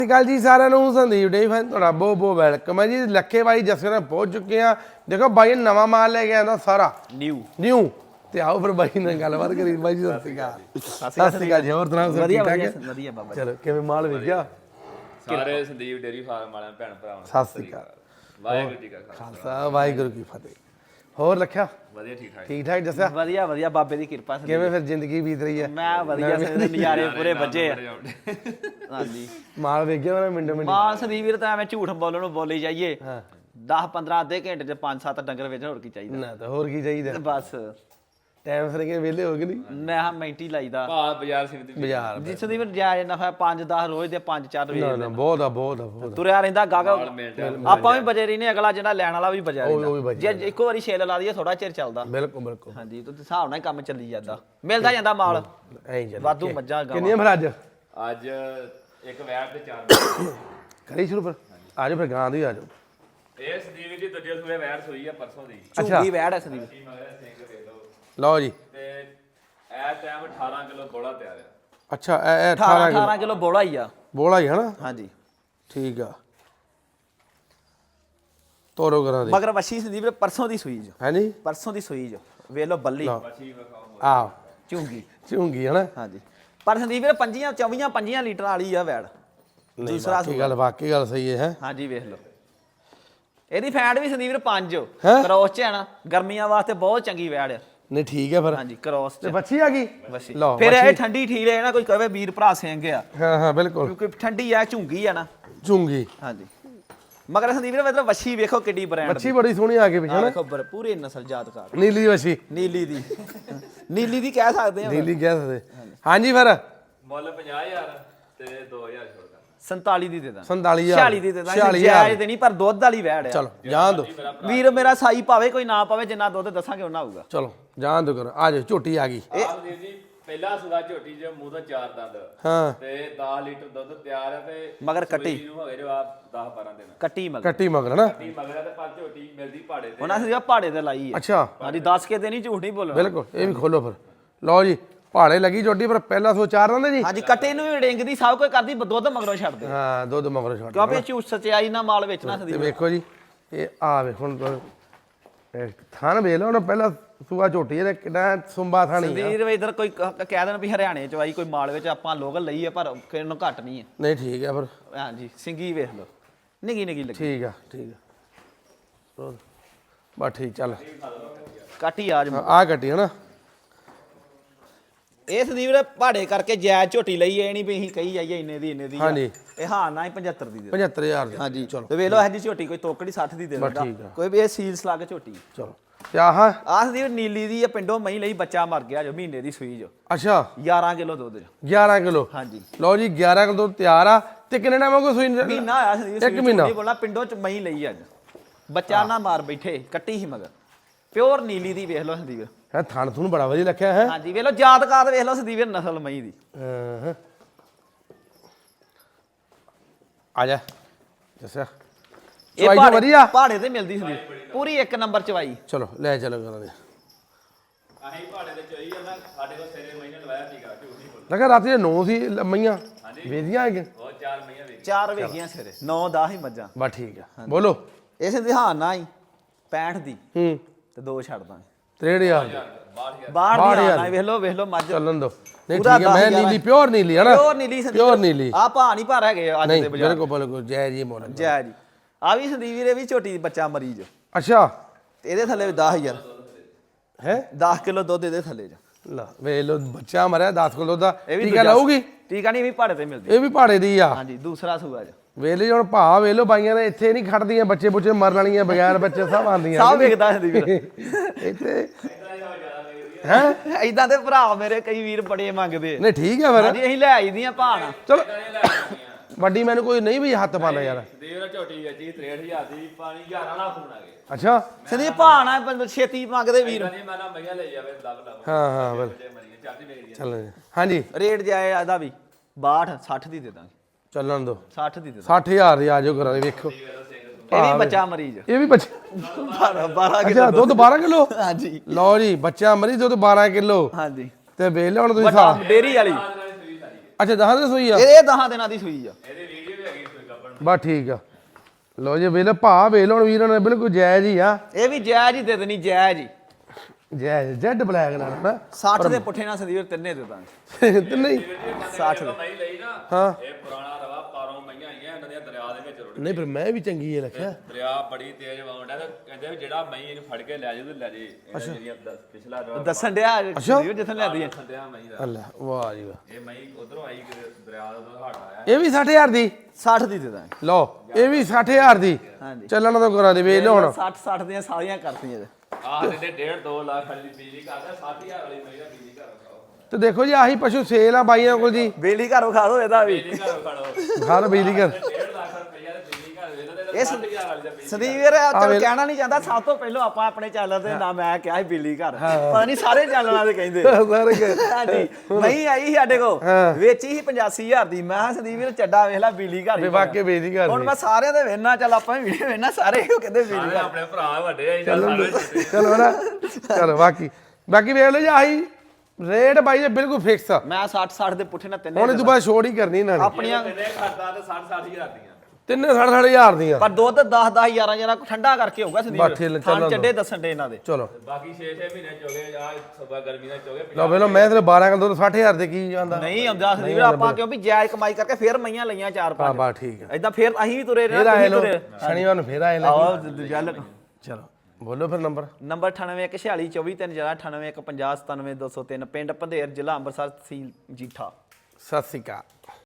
ਸਤਿ ਸ਼੍ਰੀ ਅਕਾਲ ਜੀ ਸਾਰਿਆਂ ਨੂੰ ਸੰਦੀਪ ਡੇਰੀ ਫਾਰਮ ਤੁਹਾਡਾ ਬਹੁਤ ਬਹੁਤ ਵੈਲਕਮ ਹੈ ਜੀ। ਲੱਖੇ ਬਾਈ ਜੱਸੇ ਨਾਲ ਪਹੁੰਚ ਚੁੱਕੇ ਆ। ਦੇਖੋ ਬਾਈ ਨੇ ਨਵਾਂ ਮਾਲ ਲੈ ਕੇ ਆਂਦਾ ਸਾਰਾ ਨਿਊ ਤੇ ਆਓ ਫਿਰ ਬਾਈ ਨਾਲ ਗੱਲਬਾਤ ਕਰੀ। ਬਾਈ ਜੀ ਸਤਿ ਸ਼੍ਰੀ ਅਕਾਲ। ਸਤਿ ਸ਼੍ਰੀ ਅਕਾਲ ਜੀ। ਹੋਰ ਸੁਣਾਓ ਸਭ ਠੀਕ ਠਾਕ ਹੈ? ਵਧੀਆ ਬਾਬਾ। ਚਲੋ ਕਿਵੇਂ ਮਾਲ ਵੇਖਿਆ ਸਾਰੇ ਸੰਦੀਪ ਡੇਰੀ ਫਾਰਮ ਵਾਲਿਆਂ ਭੈਣ ਭਰਾਵਾਂ ਸਤਿ ਸ਼੍ਰੀ ਅਕਾਲ। ਵਾਹਿਗੁਰੂ ਜੀ ਕਾ ਖਾਲਸਾ ਵਾਹਿਗੁਰੂ ਕੀ ਫਤਿਹ। ਹੋਰ ਲੱਖਿਆ ਵਧੀਆ ਠੀਕ ਠਾਕ ਠੀਕ ਠਾਕ ਜੱਸਿਆ? ਵਧੀਆ ਵਧੀਆ ਬਾਬੇ ਦੀ ਕਿਰਪਾ ਸੀ। ਕਿਵੇਂ ਫਿਰ ਜ਼ਿੰਦਗੀ ਬੀਤ ਰਹੀ ਹੈ? ਮੈਂ ਵਧੀਆ ਸੇ ਨਜ਼ਾਰੇ ਪੂਰੇ ਵੱਜੇ ਆ। ਹਾਂਜੀ ਮਾਲ ਵੇਖਿਆ ਮੈਂ ਮਿੰਟੋ ਮਿੰਟ ਮਾਂ ਸੰਦੀਪ ਵੀਰ ਤਾਂ ਐਵੇਂ ਝੂਠ ਬੋਲਣ ਨੂੰ ਬੋਲੀ ਜਾਈਏ। 10-15 ਅੱਧੇ ਘੰਟੇ ਚ 5-7 ਡੰਗਰ ਵੇਚਣ ਹੋਰ ਕੀ ਚਾਹੀਦਾ ਨਾ ਤਾਂ ਹੋਰ ਕੀ ਚਾਹੀਦਾ। ਬਸ ਟਾਈਮ ਸਿਰ ਕੇ ਵਿਹਲੇ ਹੋ ਗਏ ਨਹੀਂ ਮੈਂ ਹਾਂ ਮਿੰਟ ਹੀ ਲਾਈਦਾ ਭਾਅ ਬਾਜ਼ਾਰ ਸਿਮਤੀ ਬਾਜ਼ਾਰ ਜਿਸ ਦੀ ਵੀ ਜਾਇਜ਼ ਨਫਾ 5-10 ਰੋਜ਼ ਦੇ 5-4 ਨਾ ਵੇਚ ਨਾ ਬਹੁਤ ਆ ਤੁਰਿਆ ਰਹਿੰਦਾ ਗਾਗਾ ਆਪਾਂ ਵੀ ਬਜੇ ਰਹੀ ਨੇ ਅਗਲਾ ਜਿਹੜਾ ਲੈਣ ਵਾਲਾ ਵੀ ਬਜਾ ਉਹ ਵੀ ਰਹਿੰਦਾ ਬਚਿਆ ਜੇ ਇੱਕੋ ਵਾਰੀ ਛੇਲ ਲਾ ਦਈਏ ਥੋੜਾ ਚਿਰ ਚੱਲਦਾ। ਬਿਲਕੁਲ ਹਾਂਜੀ ਤੇ ਹਿਸਾਬ ਨਾਲ ਹੀ ਕੰਮ ਚੱਲੀ ਜਾਂਦਾ ਮਿਲਦਾ ਜਾਂਦਾ ਮਾਲ ਐਂ ਚੱਲ ਵਾਧੂ ਮੱਝਾਂ ਗਾਵਾਂ। ਕਿੰਨੀਆਂ ਫਿਰ ਅੱਜ ਅੱਜ ਇੱਕ ਵੈਰ ਤੇ 4 ਕਰੀ ਸ਼ੁਰੂ ਫਿਰ ਆ ਜਾਓ ਫਿਰ ਗਾਂ ਦੀ ਆ ਜਾਓ। ਇਹ ਸੰਦੀਪ ਜੀ ਦੂਜੇ ਸੂਏ ਵੈਰ ਸੋਈ ਆ ਪਰਸੋਂ ਦੀ ਝੂਗੀ ਵੈੜ ਐ ਸੰਦੀਪ। ਕੀ ਮਗਰ ਸਿੰਘ ਦੇ ਲਓ ਲਓ ਜੀ। ਤੇ ਇਹ ਟਾਈਮ 18 ਕਿਲੋ ਬੋਲਾ ਤਿਆਰ ਆ। ਅੱਛਾ ਇਹ 18 ਕਿਲੋ ਬੋਲਾ ਹੀ ਆ। ਬੋਲਾ ਹੀ ਹਨਾ? ਹਾਂਜੀ ਠੀਕ ਆ ਤੋਰੋ ਕਰਾਂ ਦੇ ਮਗਰ ਵੱਛੀ ਸੰਦੀਪ ਨੇ ਪਰਸੋਂ ਦੀ ਸੂਈ ਜੋ ਹੈ ਨਹੀਂ ਪਰਸੋਂ ਦੀ ਸੂਈ ਜੋ ਵੇਖ ਲਓ ਬੱਲੀ ਅੱਛੀ ਵਿਖਾਓ ਆ ਝੂੰਗੀ ਝੂੰਗੀ ਹਨਾ? ਹਾਂਜੀ ਪਰ ਸੰਦੀਪ ਨੇ 25 ਲੀਟਰ ਵਾਲੀ ਆ ਵੈੜ ਦੂਸਰਾ ਕੀ ਗੱਲ ਵਾਕਈ ਗੱਲ ਸਹੀ ਹੈ। ਹਾਂਜੀ ਵੇਖ ਲਓ ਇਹਦੀ ਫੈਟ ਵੀ ਸੰਦੀਪ ਨੇ 5 ਹੈਂ? ਕ੍ਰੋਸ ਚ ਹੈ ਨਾ ਗਰਮੀਆਂ ਵਾਸਤੇ ਬਹੁਤ ਚੰਗੀ ਵੈੜ ਆ। ਨਹੀਂ ਠੀਕ ਹੈ ਫਿਰ ਹਾਂਜੀ ਕ੍ਰੋਸ ਤੇ ਚ ਬੱਚੀ ਆ ਗਈ ਵੱਛੀ ਲਓ ਫਿਰ ਇਹ ਵੱਛੀ। ਠੰਡੀ ਠੀਕ ਹੈ ਨਾ ਕੋਈ ਕਹੇ ਵੀਰ ਭਰਾ ਸਿੰਘ ਆ ਹਾਂ ਬਿਲਕੁਲ ਕਿਉਂਕਿ ਠੰਡੀ ਆ ਝੂੰਗੀ ਆ ਨਾ। ਝੂੰਗੀ ਹਾਂਜੀ ਮਗਰ ਸੰਦੀਪ ਨੇ ਮਤਲਬ ਵੱਛੀ ਵੇਖੋ ਕਿੱਡੀ ਬ੍ਰਾਂਡ ਬੱਚੀ ਬੜੀ ਸੋਹਣੀ ਆ ਗਈ ਪਿੱਛੇ ਨਾ ਵੇਖੋ ਪੂਰੇ ਨਸਲ ਜਾਤਕਾਰ ਨੀਲੀ ਬੱਚੀ ਨੀਲੀ ਦੀ ਨੀਲੀ ਦੀ ਕਹਿ ਸਕਦੇ ਆ ਨੀਲੀ ਕਹਿ ਸਕਦੇ ਹਾਂਜੀ ਫਿਰ ਮੁੱਲ 50000 ਤੇ 2000 ਛੋੜ ਦਾਂ 47 ਦੀ ਦੇ ਦਾਂ 47000 46 ਦੀ ਦੇ ਦਾਂ ਜਾਇਜ਼ ਤੇ ਨਹੀਂ ਪਰ ਦੁੱਧ ਵਾਲੀ ਵੈੜ ਆ। ਚਲੋ ਜਾਣ ਦੋ ਵੀਰ ਮੇਰਾ ਸਾਈ ਪਾਵੇ ਕੋਈ ਨਾ ਪਾਵੇ ਜਿੰਨਾ ਦੁੱਧ ਦੱਸਾਂਗੇ ਉਹਨਾਂ ਆਊਗਾ। ਚਲੋ ਜਾਣ ਦੋ ਕਰ ਆ ਜਾਓ ਝੋਟੀ ਆ ਗਈ ਆਹ ਸੰਦੀਪ ਜੀ ਪਹਿਲਾ ਸੁਗਾ ਝੋਟੀ ਚ ਮੂੰਹ ਤੋਂ 4 ਦੰਦ ਹਾਂ ਤੇ 10 ਲੀਟਰ ਦੁੱਧ ਤਿਆਰ ਹੈ ਤੇ ਮਗਰ ਕੱਟੀ ਨੂੰ ਹੋ ਗਏ ਜੋ ਆ 10-12 ਦਿਨ ਕੱਟੀ ਮਗਰ ਕੱਟੀ ਮਗਰ ਨਾ ਕੱਟੀ ਮਗਰ ਆ ਤੇ ਪਰ ਝੋਟੀ ਮਿਲਦੀ ਪਹਾੜੇ ਤੇ ਉਹਨਾਂ ਸਿਰਫ ਪਹਾੜੇ ਤੇ ਲਾਈ ਹੈ। ਅੱਛਾ ਹਾਂਜੀ ਦੱਸ ਕੇ ਤੇ ਨਹੀਂ ਝੂਠ ਨਹੀਂ ਬੋਲਣਾ। ਬਿਲਕੁਲ ਇਹ ਵੀ ਖੋਲੋ ਫਿਰ ਲਓ ਜੀ ਪਹਾੜੇ ਲੱਗੀ ਝੋਟੀ ਪਰ ਪਹਿਲਾਂ ਸੋ ਚਾਰ ਦਿੰਦੇ ਜੀ ਹਾਂਜੀ ਕੱਟੇ ਨੂੰ ਵੀ ਡਿੰਗਦੀ ਸਭ ਕੁਝ ਕਰਦੀ ਦੁੱਧ ਮਗਰੋਂ ਛੱਡਦੇ ਹਾਂ ਦੁੱਧ ਮਗਰੋਂ ਛੱਡ ਕਿਉਂਕਿ ਇਹ ਝੂਠ ਸਚਾਈ ਨਾਲ ਮਾਲ ਵੇਚਣਾ ਤੇ ਸੰਦੀਪ। ਵੇਖੋ ਜੀ ਇਹ ਆ ਵੇ ਹੁਣ ਥਾਨ ਵੇਖ ਲਓ ਨਾ ਪਹਿਲਾਂ ਸੂਆ ਝੋਟੀ ਇਹਦਾ ਕਿੰਨਾ ਸੁੰਬਾ ਥਾਣੀ ਆ। ਸੰਦੀਪ ਇਧਰ ਕੋਈ ਕਹਿ ਦੇਣ ਵੀ ਹਰਿਆਣੇ ਚ ਆਈ ਕੋਈ ਮਾਲ ਵਿੱਚ ਆਪਾਂ ਲੋਕਲ ਲਈ ਹੈ ਪਰ ਕਿਸੇ ਨੂੰ ਘੱਟ ਨਹੀਂ ਹੈ। ਨਹੀਂ ਠੀਕ ਹੈ ਫਿਰ ਹਾਂਜੀ ਸਿੰਗੀ ਵੇਖ ਲਓ ਨਿੱਗੀ ਲੱਗੀ ਠੀਕ ਆ ਬਸ ਠੀਕ ਚੱਲ ਕੱਟੀ ਆਜ ਆ ਕੱਟੀ ਹਨਾ ਇਹ ਸੰਦੀਪ ਨੇ ਪਹਾੜੇ ਕਰਕੇ ਜਾਇਜ਼ ਝੋਟੀ ਲਈ ਇਹ ਨਹੀਂ ਵੀ ਅਸੀਂ ਕਹੀ ਜਾਈਏ ਇੰਨੇ ਦੀ ਹਾਂਜੀ। ਇਹ ਹਾਂ ਨਾ ਹੀ 75 ਦੀ ਦੇ 75000 ਦੀ ਹਾਂਜੀ ਚਲੋ ਤੇ ਵੇਖ ਲਓ ਇਹਦੀ ਝੋਟੀ ਕੋਈ ਤੋਕੜੀ 60 ਦੀ ਦੇ ਬਸ ਦਿੰਦਾ ਠੀਕ ਆ। ਕੋਈ ਵੀ ਇਹ ਸੀਲਸ ਲਾ ਕੇ ਝੋਟੀ ਚਲੋ ਤੇ ਆਹ ਆਹ ਸੰਦੀਪ ਨੀਲੀ ਦੀ ਇਹ ਪਿੰਡੋਂ ਮਹੀਂ ਲਈ ਬੱਚਾ ਮਰ ਗਿਆ ਜੋ ਮਹੀਨੇ ਦੀ ਸੂਈ ਜੋ ਅੱਛਾ 11 ਕਿਲੋ ਦੁੱਧ ਜੋ 11 ਕਿਲੋ ਹਾਂਜੀ ਲਓ ਜੀ 11 ਕਿਲੋ ਤਿਆਰ ਆ ਤੇ ਕਿੰਨੇ ਟਾਈਮ ਹੋ ਗਿਆ ਸੂਈ ਨੂੰ? ਮਹੀਨਾ ਆਇਆ ਸੰਦੀਪ ਇੱਕ ਮਹੀਨਾ ਨਹੀਂ ਬੋਲਣਾ ਪਿੰਡੋਂ ਚ ਮਹੀਂ ਲਈ ਅੱਜ ਬੱਚਾ ਨਾ ਮਾਰ ਬੈਠੇ ਕੱਟੀ ਹੀ ਮਗਰ ਪਿਓਰ ਨੀਲੀ ਦੀ ਵੇਖ ਲਓ ਸੰਦੀਪ ਹੈ ਥਣ ਥੁਣ ਬੜਾ ਵਧੀਆ ਰੱਖਿਆ ਹੈ ਹਾਂਜੀ ਵੇਖ ਲਓ ਜਾਤਕਾਰ ਵੇਖ ਲਓ ਸੰਦੀਪ ਨਸਲ ਮਹੀਂ ਦੀ ਆ ਜਾ ਜੱਸਾ ਇਹ ਚਵਾਈ ਤਾਂ ਵਧੀਆ ਪਹਾੜੇ ਤੇ ਮਿਲਦੀ ਸੰਦੀਪ ਪੂਰੀ ਇੱਕ ਨੰਬਰ ਚਵਾਈ ਚਲੋ ਲੈ ਚਲੋ ਕਰਾਂਗੇ ਅਸੀਂ ਪਹਾੜੇ ਤੇ ਚੋਈ ਜਾਂਦਾ ਸਾਡੇ ਕੋਲ ਸੇਰੇ ਮਹੀਨੇ ਲਵਾਇਆ ਸੀਗਾ ਝੂਠ ਨਹੀਂ ਬੋਲ ਲਗਾ ਰਾਤੀ 9 ਸੀ ਮਈਆਂ ਵੇਦੀਆਂ ਹੈਗੇ ਬਹੁਤ 4 ਮਹੀਨੇ ਵੇਖ 4 ਵੇਖੀਆਂ ਸਿਰੇ 9-10 ਹੀ ਮੱਝਾਂ ਬਸ ਠੀਕ ਆ ਬੋਲੋ ਇਸ ਦਿਹਾਨ ਨਾ ਹੀ 65 ਦੀ ਹੂੰ ਤੇ 2 ਛੱਡ ਦਾਂਗੇ 63000 ਬਾਹਰ ਦੀ ਆਣਾ ਵੇਖ ਲਓ ਮੱਝ ਚੱਲਣ ਦੋ ਨਹੀਂ ਪੂਰਾ ਠੀਕ ਹੈ ਮੈਂ 10,000 ਨੀਲੀ ਪਿਓਰ ਨੀਲੀ ਹੈ ਨਾ ਪਿਓਰ ਨੀਲੀ ਸੰਦੀਪ ਪਿਓਰ ਨੀਲੀ ਆ ਭਾ ਨਹੀਂ ਭਰ ਹੈਗੇ ਅੱਜ ਨਹੀਂ ਦੇ ਬਾਜ਼ਾਰ ਬਿਲਕੁਲ ਜੈ ਜੀ ਮੋਲ ਜੈ ਜੀ ਆ ਵੀ ਸੰਦੀਪ ਵੀਰੇ ਵੀ ਛੋਟੀ ਬੱਚਾ ਮਰੀਜ਼ ਅੱਛਾ ਤੇ ਇਹਦੇ ਥੱਲੇ ਵੀ 10000 ਹੈ 10 ਕਿਲੋ ਦੁੱਧ ਇਹਦੇ ਥੱਲੇ ਜਾ ਲਾ ਵੇ ਲੋ ਬੱਚਾ ਮਰਿਆ 10 ਕਿਲੋ ਦਾ ਇਹ ਵੀ ਟੀਕਾ ਲਾਊਗੀ ਟੀਕਾ ਨਹੀਂ ਵੀ ਪਹਾੜੇ ਤੇ ਮਿਲਦੀ ਇਹ ਵੀ ਪਹਾੜੇ ਦੀ ਆ ਹਾਂਜੀ ਦੂਸਰਾ ਸੂਆ ਜੀ ਵੇਲੇ ਹੁਣ ਭਾ ਵੇਲੋ ਬਾਈਆਂ ਨੇ ਇੱਥੇ ਨਹੀਂ ਖੜਦੀਆਂ ਬੱਚੇ ਬੁੱਚੇ ਮਰਨ ਵਾਲੀਆਂ ਬਗੈਰ ਬੱਚੇ ਸਭ ਆਉਂਦੀਆਂ ਸਭ ਵੇਖਦਾ ਸੰਦੀਪ ਵੀਰ ਇੱਥੇ ਹੈ ਇਦਾਂ ਦੇ ਭਰਾ ਮੇਰੇ ਕਈ ਵੀਰ ਬੜੇ ਮੰਗਦੇ ਨਹੀਂ ਠੀਕ ਹੈ ਫਿਰ ਹਾਂਜੀ ਅਸੀਂ ਲੈ ਆਈਦੀਆਂ ਭਾਣਾ ਚਲੋ ਵੱਡੀ ਮੈਨੂੰ ਕੋਈ ਨਹੀਂ ਵੀ ਹੱਥ ਪਾਉਂਦਾ ਯਾਰ ਦੇਵਰਾ ਝੋਟੀ ਵੇਚੀ 63000 ਦੀ ਪਾਣੀ 11 ਵਾਲਾ ਫੋਨ ਆ ਗਏ ਅੱਛਾ ਸੰਦੀਪ ਭਾਣਾ ਛੇਤੀ ਮੰਗਦੇ ਵੀਰ ਨਹੀਂ ਮੈਂ ਨਾ ਮਈਆਂ ਲੈ ਜਾਵੇ ਲੱਭ ਲੱਭ ਹਾਂ ਬਿਲ ਜੇ ਮਰੀਆਂ ਚਾਹਤੀ ਵੇਚਦੀ ਚੱਲ ਹਾਂਜੀ ਰੇਟ ਜਾਏ ਆਦਾ ਵੀ 62 60 ਦੀ ਦੇ ਦਾਂਗੇ ਚੱਲਣ ਦੋ 60 ਦੀ ਦੇ 60000 ਦੀ ਆ ਜਾਓ ਕਰਾਂਗੇ ਵੇਖੋ ਇਹ ਵੀ ਬੱਚਾ ਮਰੀਜ਼ ਇਹ ਵੀ ਬੱਚਾ 12 ਅੱਛਾ ਦੁੱਧ 12 ਕਿਲੋ ਹਾਂਜੀ ਲਓ ਜੀ ਬੱਚਾ ਮਰੀ ਦੁੱਧ 12 ਕਿਲੋ ਹਾਂਜੀ ਤੇ ਵੇਖ ਲਿਆ ਹੁਣ ਤੁਸੀਂ ਵੱਡਾ ਹਿਸਾਬ ਡੇਰੀ ਵਾਲੀ ਅੱਛਾ ਦਹਾਂ ਦੇ ਸੂਈ ਆ ਇਹ 10 ਦਿਨਾਂ ਦੀ ਸੂਈ ਆ ਇਹਦੀ ਵੀਡੀਓ ਵੀ ਹੈਗੀ ਬਸ ਠੀਕ ਆ ਲੋ ਜੀ ਵੇਲੇ ਭਾ ਵੇਲ ਹੁਣ ਵੀਰਾਂ ਨੇ ਬਿਲਕੁਲ ਜਾਇਜ਼ ਹੀ ਆ ਇਹ ਵੀ ਜਾਇਜ਼ ਹੀ ਦੇ ਦੇਣੀ ਜਾਇਜ਼ ਹੀ ਜਾਇਜ਼ ਜੈਡ ਬਲੈਕ ਨਾਲ ਨਾ 60 ਦੇ ਪੁੱਠੇ ਨਾਲ ਸੰਦੀਪ ਤਿੰਨੇ ਦੇ ਦਾਂਗੇ ਤੇ ਨਹੀਂ 60 ਦੇ ਨਹੀਂ ਲਈ ਨਾ ਹਾਂ ਇਹ ਪੁਰਾਣਾ ਰਵਾ ਪਾਰੋਂ ਮਈਆਂ ਆਈਆਂ ਇਹਨਾਂ ਦੀਆਂ ਦਰਿਆ ਦੇ ਵਿੱਚ ਰੁੜ ਨਹੀਂ ਪਰ ਮੈਂ ਵੀ ਚੰਗੀ ਹੈ ਰੱਖਿਆ ਦਰਿਆ ਬੜੀ ਤੇਜ਼ ਵਾਉਂਦਾ ਤੇ ਕਹਿੰਦੇ ਵੀ ਜਿਹੜਾ ਮਈ ਇਹਨੂੰ ਫੜ ਕੇ ਲੈ ਜਾਊ ਤੇ ਲੈ ਜੇ ਇਹ ਜਿਹੜੀਆਂ ਪਿਛਲਾ ਰਵਾ ਦੱਸਣ ਡਿਆ ਸੰਦੀਪ ਜਿੱਥੇ ਲੈਂਦੀ ਹੈ ਸੰਦਿਆ ਮਈ ਦਾ ਅੱਲਾ ਵਾਹ ਜੀ ਵਾਹ ਇਹ ਮਈ ਉਧਰੋਂ ਆਈ ਕਿ ਦਰਿਆ ਦਾ ਹੜ ਆਇਆ ਇਹ ਵੀ 60000 ਦੀ 60 ਦੀ ਦੇ ਦਾਂਗੇ ਲਓ ਇਹ ਵੀ 60000 ਦੀ ਹਾਂਜੀ ਚੱਲਣ ਤੋਂ ਕਰਾਂ ਦੇ ਵੇਚ ਲਓ ਹੁਣ 60 ਦੀਆਂ ਸਾਰੀਆਂ ਕਰਤੀਆਂ ਜੇ ਆਹ ਦੇ 1.5-2 ਲੱਖ ਵਾਲੀ ਬਿਜਲੀ ਕਰਦਾ 7000 ਵਾਲੀ ਮਈ ਦਾ ਬਿਜਲੀ ਘਰ ਖਾਓ ਤੇ ਦੇਖੋ ਜੀ ਆਹੀ ਪਸ਼ੂ ਸੇਲ ਆ ਬਾਈਆਂ ਕੋਲ ਜੀ ਬੇਲੀ ਘਰ ਵਿਖਾ ਦੋ ਇਹਦਾ ਵੀ ਬਿਜਲੀ ਘਰ ਖੜੋ ਘਰ ਬਿਜਲੀ ਘਰ 1.5 ਲੱਖ ਰੁਪਈਆ ਦੇ ਬਿਜਲੀ ਘਰ ਵੇਚਦੇ ਤੇ ਇਸ 7000 ਵਾਲੀ ਦਾ ਬਿਜਲੀ ਸੰਦੀਪ ਵੀਰ ਚਲ ਕਹਿਣਾ ਨਹੀਂ ਚਾਹੁੰਦਾ ਸਭ ਤੋਂ ਪਹਿਲਾਂ ਆਪਾਂ ਆਪਣੇ ਚੈਨਲ ਤੇ ਨਾ ਮੈਂ ਕਿਹਾ ਸੀ ਬਿੱਲੀ ਘਰ ਪਤਾ ਨਹੀਂ ਸਾਰੇ ਚੈਨਲਾਂ ਦੇ ਕਹਿੰਦੇ ਸਾਰੇ ਕੇ ਹਾਂਜੀ ਨਹੀਂ ਆਈ ਸੀ ਸਾਡੇ ਕੋ ਵੇਚੀ ਸੀ 85000 ਦੀ ਮੈਂ ਕਿਹਾ ਸੰਦੀਪ ਵੀਰ ਚੱਡਾ ਵੇਖ ਲੈ ਬਿੱਲੀ ਘਰ ਹੀ ਵਾਕੇ ਬਿਜਲੀ ਘਰ ਹੁਣ ਮੈਂ ਸਾਰਿਆਂ ਦੇ ਵੇਖਣਾ ਚੱਲ ਆਪਾਂ ਵੀ ਵੀਡੀਓ ਵੇਖਣਾ ਸਾਰੇ ਇਹੋ ਕਹਿੰਦੇ ਬਿੱਲੀ ਸਾਰੇ ਆਪਣੇ ਭਰਾ ਵੱਡੇ ਆ ਇਹਨਾਂ ਸਾਰੇ ਚਲੋ ਨਾ ਚਲੋ ਬਾਕੀ ਵੇਖ ਲਓ ਜੀ ਆਹੀ ਰੇਟ ਬਾਈ ਜੀ ਬਿਲਕੁਲ ਫਿਕਸ ਆ ਮੈਂ 60 ਦੇ ਪੁੱਠੇ ਨਾਲ ਤਿੰਨੇ ਹੁਣ ਇਹ ਤੋਂ ਬਾਅਦ ਛੋੜ ਹੀ ਕਰਨੀ ਇਹਨਾਂ ਨੇ ਆਪਣੀਆਂ ਕਿੰਨੇ ਖਰਚਾ ਤੇ 60-60000 ਦੀਆਂ ਤਿੰਨੇ 60,000 ਦੀਆਂ ਪਰ ਦੁੱਧ 10 11 ਜਰਾ ਠੰਡਾ ਕਰਕੇ ਹੋਊਗਾ ਬਸ ਠੀਕ ਹੈ, ਸੰਦੀਪ ਖਾਣ ਚੱਲਣ ਚੱਡੇ ਦੱਸਣ ਦੇ ਇਹਨਾਂ ਦੇ ਚਲੋ ਬਾਕੀ 6-6 ਮਹੀਨੇ ਚੋਗੇ ਆ ਸਭਾ ਗਰਮੀ ਦਾ ਚੋਗੇ ਲਓ ਵੇਖ ਲਓ ਮੈਂ ਤੇ 12 ਕਿਲੋ ਦੁੱਧ 60,000 ਦੇ ਕੀ ਜਾਂਦਾ ਨਹੀਂ ਆਉਂਦਾ ਸੰਦੀਪ ਵੀਰ, ਆਪਾਂ ਕਿਉਂ ਵੀ ਜਾਇਜ਼ ਕਮਾਈ ਕਰਕੇ ਫੇਰ ਮਈਆਂ ਲਈਆਂ 4-5 ਹਾਂ ਬਾ ਠੀਕ ਹੈ ਏਦਾਂ ਫੇਰ ਅਸੀਂ ਵੀ ਤੁਰੇ ਫੇਰ ਰਹਿਣਾ ਆਏ ਤੁਸੀਂ ਲੋ ਤੁਰੇ ਸ਼ਨੀਵਾਰ ਨੂੰ ਫੇਰ ਆਏ ਲੈ ਆਓ ਗੱਲ ਚਲੋ ਬੋਲੋ ਫਿਰ ਨੰਬਰ ਨੰਬਰ 9814243098150203 ਪਿੰਡ ਪੰਧੇਰ ਜ਼ਿਲ੍ਹਾ ਅੰਮ੍ਰਿਤਸਰ ਤਹਿਸੀਲ ਜੀਠਾ ਸਤਿ ਸ਼੍ਰੀ ਅਕਾਲ